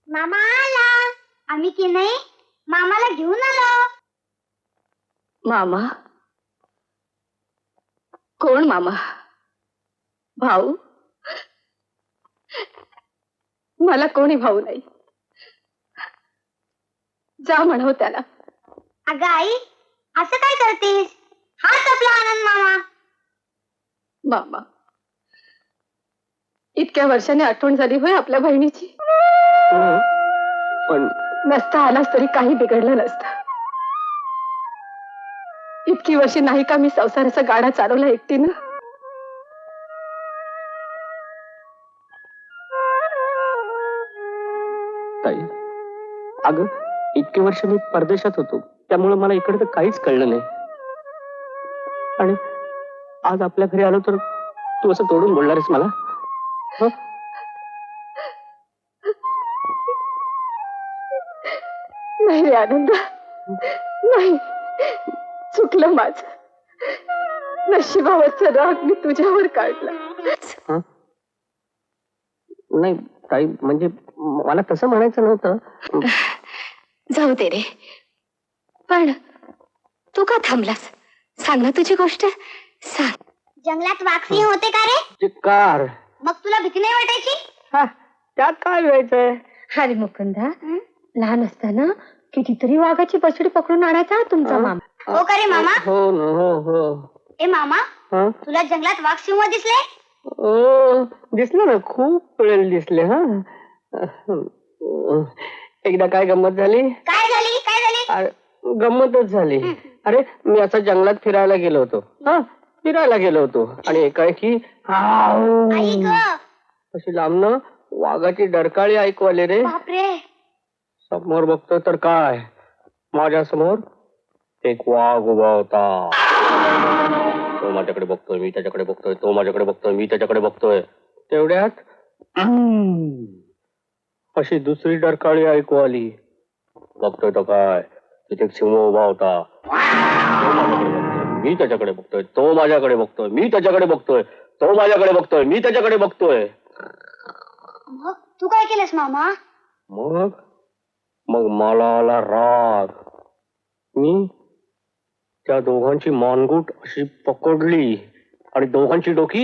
मामा आला. आम्ही की नाही मामाला घेऊन आलो. मामा? कोण मामा? भाऊ? मला कोणी भाऊ नाही. जा म्हणाव त्याला. अगं आई, असं काय करतेस? हाच आपला आनंद मामा. मामा, इतक्या वर्षाने आठवण झाली होय आपल्या बहिणीची. पण नसता आलास तरी काही बिघडलं नसतं. इतकी वर्षे नाही का मी संसाराचा गाडा चालवला एकटीनं. ताई, अगं इतके वर्ष मी परदेशात होतो, त्यामुळे मला इकडे तर काहीच कळलं नाही. आणि आज आपल्या घरी आलो तर तू असं तोडून बोलणारेस मला? नाही रे आनंद, नाही. चुकलं माझं. नशिबावरचा राग मी तुझ्यावर काढला. नाही ताई, म्हणजे मला तसं म्हणायचं नव्हतं. जाऊ दे रे. पण तू का थांबलास? सांग ना तुझी गोष्ट, सांग. जंगलात वाघसिंह होते का रे? चिक्कार. मग तुला भीती नाही वाटायची? त्यात काय व्हायचंय? अरे मुकुंदा, लहान असताना कितीतरी वाघाची बछडी पकडून आणायचा तुमचा मामा. हो का रे मामा? हो ना, हो. ए मामा, तुला जंगलात वाघसिंह दिसले? ओ, दिसले ना, खूप वेळेला दिसले. एकदा काय गंमत झाली? काय झाली? गंमतच झाली. अरे, मी असं जंगलात फिरायला गेलो होतो आणि एकाएकी आई ग, अशी लांबनं वाघाची डरकाळी ऐकू आली रे. बापरे. समोर बघतोय तर काय, माझ्या समोर एक वाघ उभा होता. तो माझ्याकडे बघतोय, मी त्याच्याकडे बघतोय. तो माझ्याकडे बघतोय, मी त्याच्याकडे बघतोय. तेवढ्यात अशी दुसरी डरकाळी ऐकू आली. बघतोय तो काय, तिथे एक सिंह उभा होता. मी त्याच्याकडे बघतोय, तो माझ्याकडे बघतोय. मी त्याच्याकडे बघतोय, तो माझ्याकडे बघतोय. मी त्याच्याकडे बघतोय. मग तू काय केलंस मामा? मग मला आला राग. मी त्या दोघांची मानगूट अशी पकडली आणि दोघांची डोकी.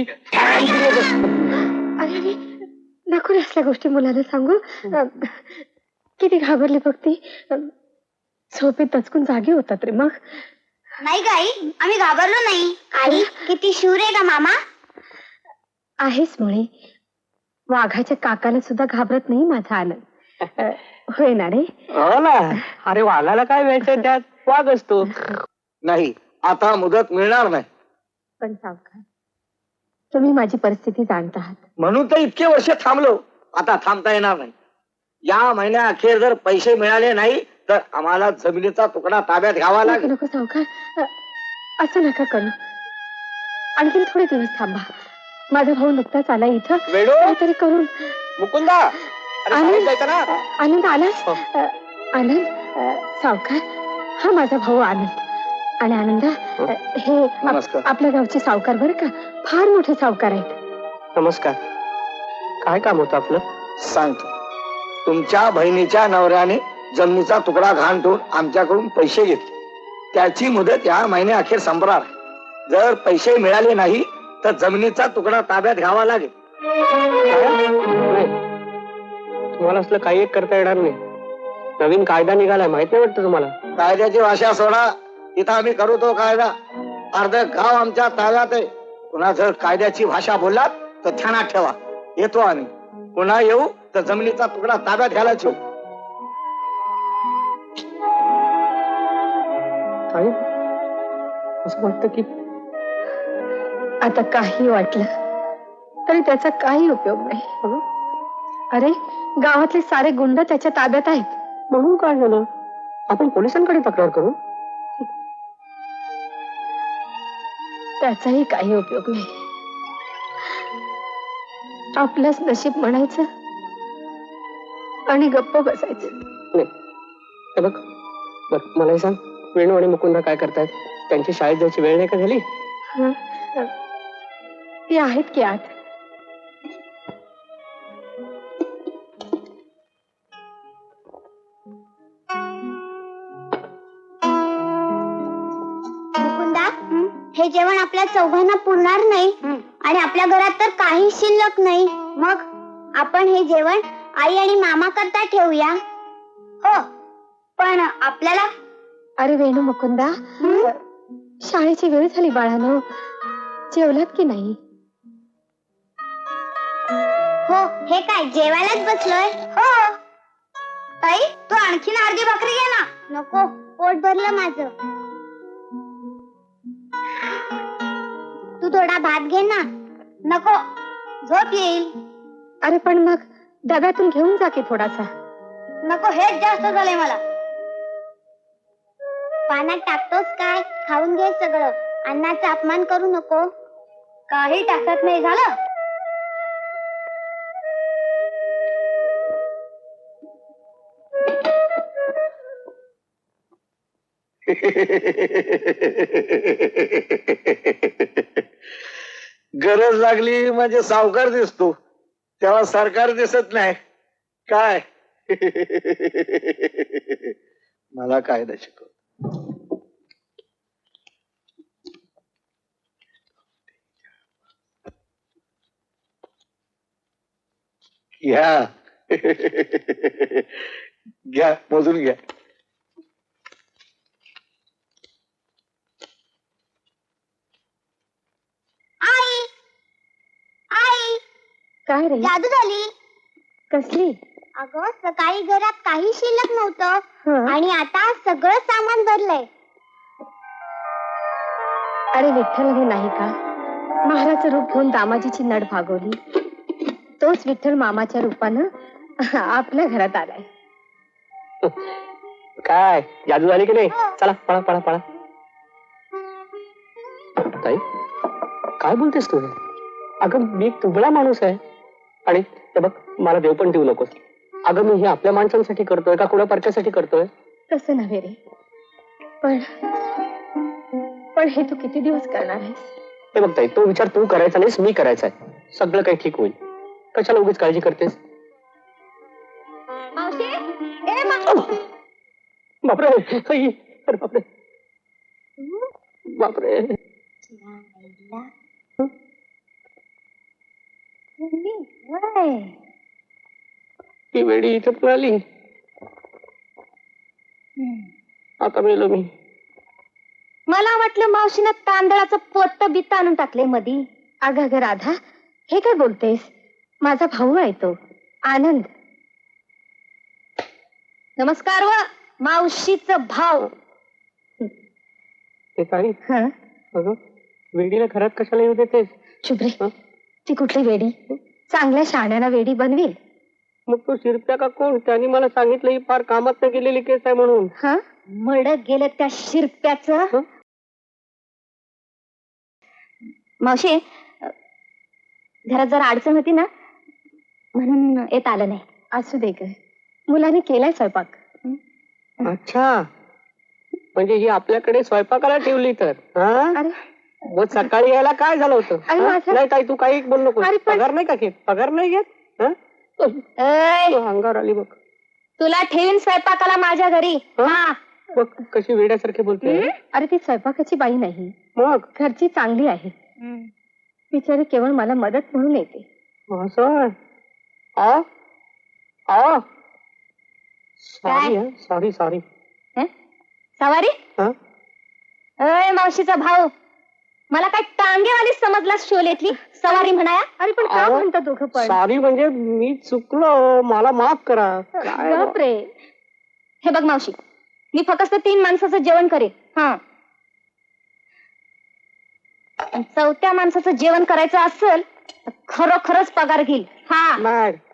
अरे नको रे असल्या गोष्टी मुलाला सांगू. किती घाबरली बघ ती. झोपेत दचकून जागी होतात रे. मग नाही ग आई, आम्ही घाबरलो नाही. आई किती शूर आहे का मामा? आहेस मुळे वाघाच्या काकाला सुद्धा घाबरत नाही माझा आनंद. होय ना रे? हो ना. अरे वाघाला काय व्हायचं, त्यात वाघ असतो. नाही, आता मुदत मिळणार नाही. पण सावकार, तुम्ही माझी परिस्थिती जाणता आहात. म्हणून तर इतके वर्ष थांबलो. आता थांबता येणार नाही. या महिन्या अखेर जर पैसे मिळाले नाही तर आम्हाला जमिनीचा तुकडा ताब्यात घ्यावा लागेल. नको सावकार, असं नका करू. आणखी थोडे दिवस थांबा. माझा भाऊ नुकताच आला इथं. वेडो, काहीतरी करून. मुकुंदा, अरे शाळेत जायचं ना. आनंद आलास? आनंद, सावकार, हा माझा भाऊ आनंद. आणि आनंदा, हे नमस्कार. आपल्या गावचे सावकार बरं का, फार मोठे सावकार आहेत. नमस्कार. काय काम होतं आपलं? सांगतो. तुमच्या बहिणीच्या नवऱ्याने जमिनीचा तुकडा घाण ठेवून आमच्याकडून पैसे घेतले. त्याची मुदत या महिन्या अखेर संपणार. जर पैसे मिळाले नाही तर जमिनीचा तुकडा ताब्यात घ्यावा लागेल. तुम्हाला असलं काही एक करता येणार नाही. नवीन कायदा निघालाय, माहित नाही वाटतं तुम्हाला? कायद्याची भाषा सोडा. इथं आम्ही करू तो कायदा. अर्ध गाव आमच्या ताब्यात आहे. पुन्हा जर कायद्याची भाषा बोललात तर ध्यानात ठेवा. येतो आम्ही. पुन्हा येऊ तर जमिनीचा तुकडा ताब्यात घ्यायला ठेवू. काय असं वाटतं की आता काही वाटलं तरी त्याचा काही उपयोग नाही. अरे गावातले सारे गुंड त्याच्या ताब्यात आहेत. म्हणून काय झालं? आपण पोलिसांकडे तक्रार करू. त्याचाही काही उपयोग नाही. आपलंच नशीब म्हणायचं आणि गप्प बसायचं. नाही, हे बघ, मला हे सांग, वेणू आणि मुकुंदा काय करतायत? त्यांची शाळेत जायची वेळ नाही का झाली? ती आहेत की आत. हे जेवण आपल्या चौघांना पुरणार नाही आणि आपल्या घरात तर काही शिल्लक नाही. मग आपण हे जेवण आई आणि मामा करता ठेवूया. हो, पण आपल्याला अरे वेणू मुकुंदा, शाळेची वेळ झाली बाळानो. जेवलात की नाही? हो, हे काय जेवायलाच बसलोय. हो ताई, तू आणखीन अर्धी भाकरी घे ना. नको, पोट भरलं माझं. तू थोडा भात घे ना. नको, झोप येईल. अरे पण मग डब्यातून घेऊन जा की थोडासा. नको, हेच जास्त झालंय मला. पाण्यात टाकतोस काय? खाऊन घे सगळं. अन्नाचा अपमान करू नको. काही टाकत नाही, झालं. गरज लागली म्हणजे सावकार दिसतो, तेव्हा सरकार दिसत नाही काय. मला कायदा शिकव. घ्या घ्या, मोजून घ्या. आई, आई, काय रे? जादू झाली. कसली? अगं, सकाळी घरात काही शिल्लक नव्हतं हं. आणि आता सगळं सामान भरलंय. अरे विठ्ठल हे नाही का महाराचं रूप घेऊन दामाजीची नड भागवली? तोच विठ्ठल मामाच्या रूपानं आपल्या घरात आलाय. काय जादू झाली की नाही? चला पळा पळा पळा. ताई, काय बोलतेस तू? अगं मी तुबळा माणूस आहे आणि ते बघ, मला देव पण देऊ नकोस. अगं मी हे आपल्या माणसांसाठी करतोय का कुणा पारख्यासाठी करतोय? तसं नव्हे रे, पण पण हे तू किती दिवस करणार आहेस? हे बघ ताई, तो विचार तू करायचा नाहीस, मी करायचा आहे. सगळं काही ठीक होईल. कशाला उगीच काळजी करतेस? बापरे, आई, अरे बापरे बापरे. ती वेडी इथं पण आली. आता मेलो मी. मला वाटलं मावशीनं तांदळाचं पोट्ट बित्त आणून टाकले मधी. अगं अगं राधा, हे काय बोलतेस? माझा भाऊ आहे तो आनंद. नमस्कार व मावशीचं भाव. ते ताई, हं? अगं वेडीला घरात कशाला येऊ देतेस? शुभ्रे, हं? ती कुठली वेडी? चांगल्या शहाण्याला वेडी बनवील. मग तो शिरप्या का कोण? त्यांनी मला सांगितलं ही फार कामात न गेलेली केस आहे म्हणून. हा, मड गेलं त्या शिरप्याचं. हं? मावशी, घरात जरा अडचण होती ना, म्हणून येत आलं नाही. असू दे ग, मुलाने केलाय स्वयंपाक. अच्छा, म्हणजे ही आपल्याकडे स्वयंपाकाला ठेवली तर? हा? अरे मग सकाळी यायला काय झालं होतं? अरे हा? माझं- नाही ताई, तू काही बोल नको. अरे पण- पगार नाही का घेत? पगार नाही घेत? हा? अंगावर आली बघ. तुला ठेवीन स्वयंपाकाला माझ्या घरी. हं? हा. बघ कशी वेड्यासारखी बोलते. अरे ती स्वयंपाकाची बाई नाही, मग घरची चांगली आहे. बिचारी केवळ मला मदत म्हणून येते. असं आ आ सॉरी सॉरी सॉरी. हं? सवारी? हा? अय मावशीचा भाऊ, मला काय टांगेवाली समजला शोलेतली सवारी म्हणाया? अरे पण का अहो, म्हणता दोघं पण? सॉरी म्हणजे मी चुकलो, मला माफ करा. काय बापरे. हे बघ मावशी, मी फक्त 3 माणसाचं जेवण करेन. हा, चौथ्या माणसाचं जेवण करायचं असेल तर खरोखरच पगार घेईल. हा, नाही